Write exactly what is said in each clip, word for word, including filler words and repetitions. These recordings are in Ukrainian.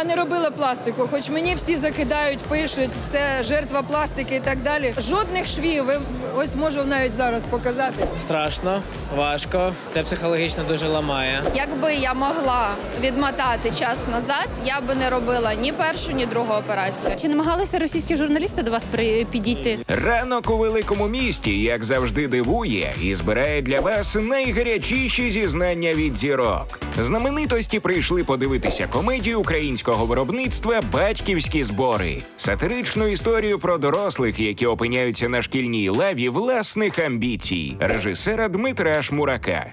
Я не робила пластику, хоч мені всі закидають, пишуть, це жертва пластики і так далі. Жодних швів, ви- ось можу навіть зараз показати. Страшно, важко. Це психологічно дуже ламає. Якби я могла відмотати час назад, я би не робила ні першу, ні другу операцію. Чи намагалися російські журналісти до вас при- підійти? Ранок у великому місті, як завжди, дивує і збирає для вас найгарячіші зізнання від зірок. Знаменитості прийшли подивитися комедію українського виробництва «Батьківські збори». Сатиричну історію про дорослих, які опиняються на шкільній лаві власних амбіцій. Режисера Дмитра Шмурака.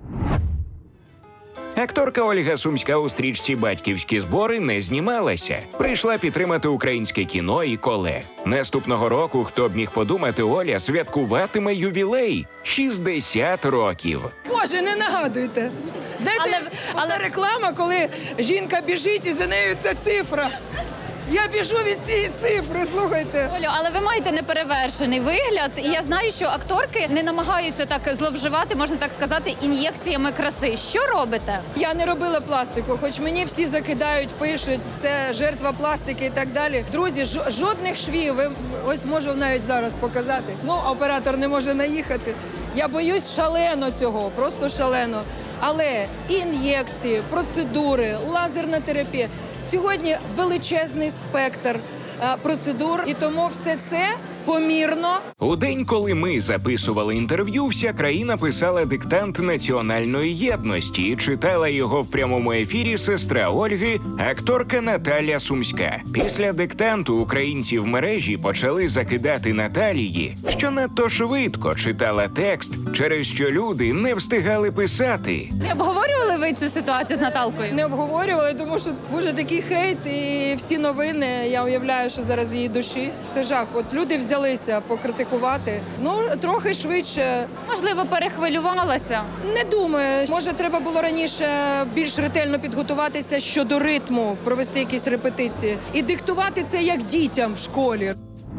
Акторка Ольга Сумська у стрічці «Батьківські збори» не знімалася. Прийшла підтримати українське кіно і колег. Наступного року, хто б міг подумати, Оля святкуватиме ювілей – шістдесят років. Боже, не нагадуйте. Знаєте, Але- але... але- реклама, коли жінка біжить і за нею ця цифра. Я біжу від цієї цифри, слухайте. Олю, але ви маєте неперевершений вигляд, і я знаю, що акторки не намагаються так зловживати, можна так сказати, ін'єкціями краси. Що робите? Я не робила пластику, хоч мені всі закидають, пишуть, це жертва пластики і так далі. Друзі, жо- жодних швів, ви- ось можу навіть зараз показати. Ну, оператор не може наїхати. Я боюсь шалено цього, просто шалено. Але ін'єкції, процедури, лазерна терапія. Сьогодні величезний спектр е, процедур, і тому все це помірно. У день, коли ми записували інтерв'ю, вся країна писала диктант національної єдності і читала його в прямому ефірі сестра Ольги, акторка Наталя Сумська. Після диктанту українці в мережі почали закидати Наталії, що надто швидко читала текст, через що люди не встигали писати. Не обговорювали ви цю ситуацію з Наталкою? Не обговорювали, тому що буде такий хейт і всі новини. Я уявляю, що зараз в її душі. Це жах. От люди взялися покритикувати. Ну, трохи швидше. Можливо, перехвилювалася? Не думаю. Може, треба було раніше більш ретельно підготуватися щодо ритму, провести якісь репетиції. І диктувати це як дітям в школі.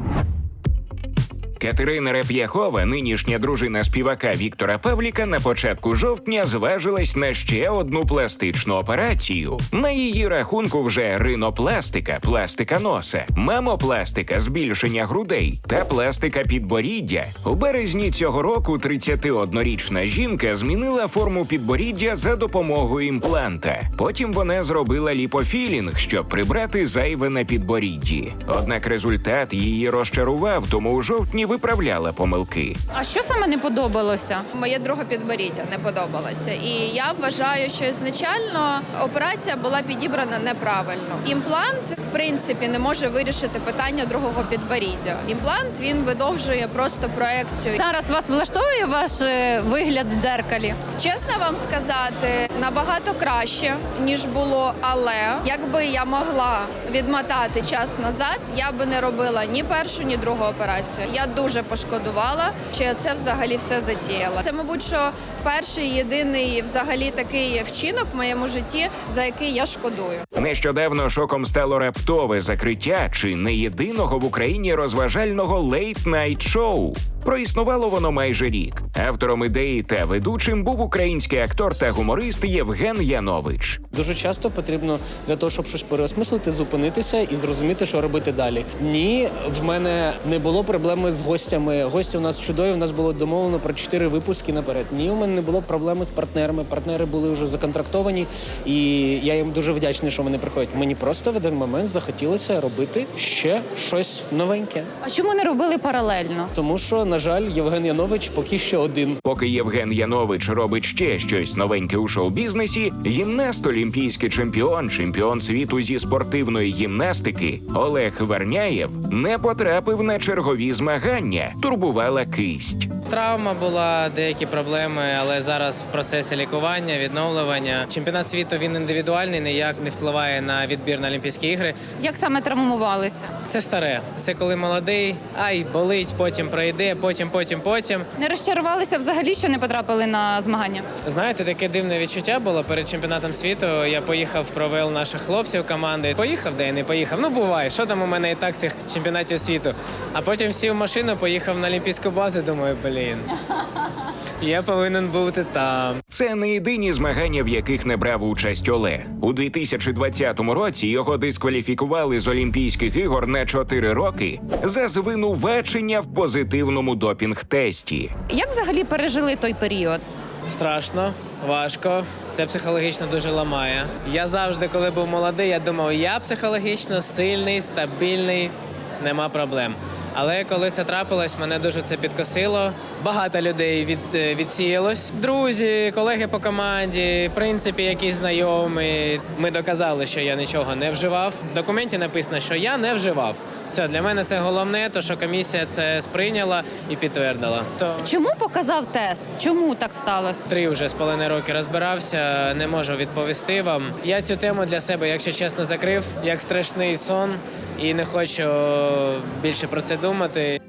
Катерина Реп'яхова, нинішня дружина співака Віктора Павліка, на початку жовтня зважилась на ще одну пластичну операцію. На її рахунку вже ринопластика, пластика носа, мамопластика, збільшення грудей та пластика підборіддя. У березні цього року тридцятиоднорічна жінка змінила форму підборіддя за допомогою імпланта. Потім вона зробила ліпофілінг, щоб прибрати зайве на підборідді. Однак результат її розчарував, тому у жовтні виправляла помилки. А що саме не подобалося? Моє друге підборіддя не подобалося. І я вважаю, що ізначально операція була підібрана неправильно. Імплант, в принципі, не може вирішити питання другого підборіддя. Імплант, він видовжує просто проекцію. Зараз вас влаштовує ваш е, вигляд в дзеркалі? Чесно вам сказати, набагато краще, ніж було, але якби я могла відмотати час назад, я би не робила ні першу, ні другу операцію. Я дуже пошкодувала, що я це взагалі все затіяла. Це, мабуть, що перший, єдиний взагалі такий вчинок в моєму житті, за який я шкодую. Нещодавно шоком стало раптове закриття чи не єдиного в Україні розважального лейт-найт-шоу. Проіснувало воно майже рік. Автором ідеї та ведучим був український актор та гуморист Євген Янович. Дуже часто потрібно для того, щоб щось переосмислити, зупинитися і зрозуміти, що робити далі. Ні, в мене не було проблеми з гостями. Гості у нас чудові, у нас було домовлено про чотири випуски наперед. Ні, у мене не було проблеми з партнерами. Партнери були вже законтрактовані, і я їм дуже вдячний, що вони приходять. Мені просто в один момент захотілося робити ще щось новеньке. А чому не робили паралельно? Тому що, на жаль, Євген Янович поки що один. Поки Євген Янович робить ще щось новеньке у шоу-бізнесі, гімнаст, олімпійський чемпіон, чемпіон світу зі спортивної гімнастики Олег Верняєв не потрапив на чергові змагання. Турбувала кисть. Травма була, деякі проблеми, але зараз в процесі лікування, відновлювання. Чемпіонат світу, він індивідуальний, ніяк не впливає на відбір на Олімпійські ігри. Як саме травмувалися? Це старе. Це коли молодий, ай, болить, потім пройде, потім, потім, потім. Не розчарувалися взагалі, що не потрапили на змагання? Знаєте, таке дивне відчуття було перед чемпіонатом світу. Я поїхав, провел наших хлопців команди. Поїхав, де я не поїхав. Ну, буває, що там у мене і так цих чемпіонатів світу. А потім сів в машину, поїхав на Олімпійську базу, думаю, блін. Я повинен бути там. Це не єдині змагання, в яких не брав участь Олег. У дві тисячі двадцятому році його дискваліфікували з Олімпійських ігор на чотири роки за звинувачення в позитивному допінг-тесті. Як взагалі пережили той період? Страшно, важко. Це психологічно дуже ламає. Я завжди, коли був молодий, я думав, я психологічно сильний, стабільний, нема проблем. Але коли це трапилось, мене дуже це підкосило. Багато людей від, відсіялось. Друзі, колеги по команді, в принципі, якісь знайомі. Ми доказали, що я нічого не вживав. В документі написано, що я не вживав. Все, для мене це головне, то що комісія це сприйняла і підтвердила. То Чому показав тест? Чому так сталося? три вже з половиною роки розбирався, не можу відповісти вам. Я цю тему для себе, якщо чесно, закрив, як страшний сон, і не хочу більше про це думати.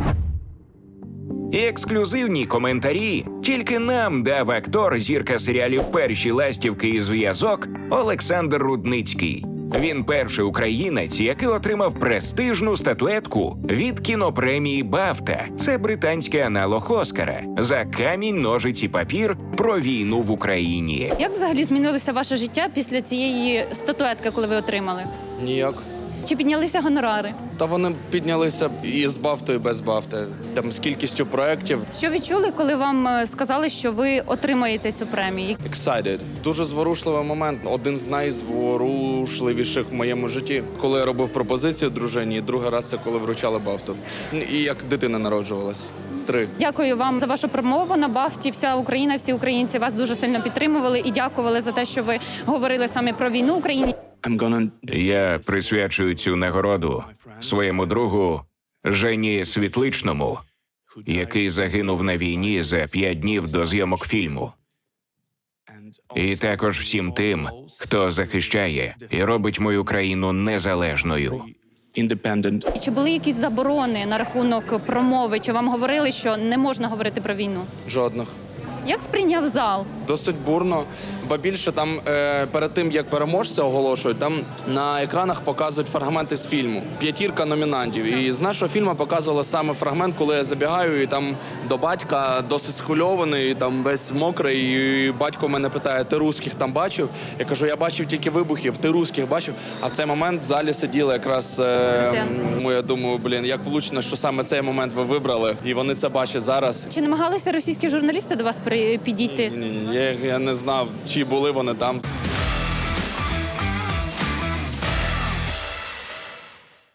І ексклюзивні коментарі тільки нам дав актор, зірка серіалів «Перші ластівки» і «Зв'язок» Олександр Рудницький. Він перший українець, який отримав престижну статуетку від кінопремії «Бафта». Це британський аналог Оскара за «Камінь, ножиці, папір» про війну в Україні. Як взагалі змінилося ваше життя після цієї статуетки, коли ви отримали? Ніяк. Чи піднялися гонорари? Та вони піднялися і з бафтою, і без бафти. Там з кількістю проєктів. Що відчули, коли вам е, сказали, що ви отримаєте цю премію? Excited. Дуже зворушливий момент. Один з найзворушливіших в моєму житті. Коли я робив пропозицію дружині, і другий раз це коли вручали бафту. І як дитина народжувалась. Три. Дякую вам за вашу промову на Бафті. Вся Україна, всі українці вас дуже сильно підтримували і дякували за те, що ви говорили саме про війну в Україні. I'm gonna... Я присвячую цю нагороду своєму другу Жені Світличному, який загинув на війні за п'ять днів до зйомок фільму. І також всім тим, хто захищає і робить мою країну незалежною. Independent. І чи були якісь заборони на рахунок промови? Чи вам говорили, що не можна говорити про війну? Жодних. Як сприйняв зал? Досить бурно, бо більше там е, перед тим, як переможця оголошують, там на екранах показують фрагменти з фільму. П'ятірка номінантів. І з нашого фільму показували саме фрагмент, коли я забігаю, і там до батька досить схвильований, і там весь мокрий, і батько мене питає, ти русських там бачив? Я кажу, я бачив тільки вибухів, ти русських бачив? А в цей момент в залі сиділи якраз, е, ну, я думаю, блін, як влучно, що саме цей момент ви вибрали, і вони це бачать зараз. Чи намагалися російські журналісти до вас при- підійти? Ні, ні, я, я не знав, чи були вони там.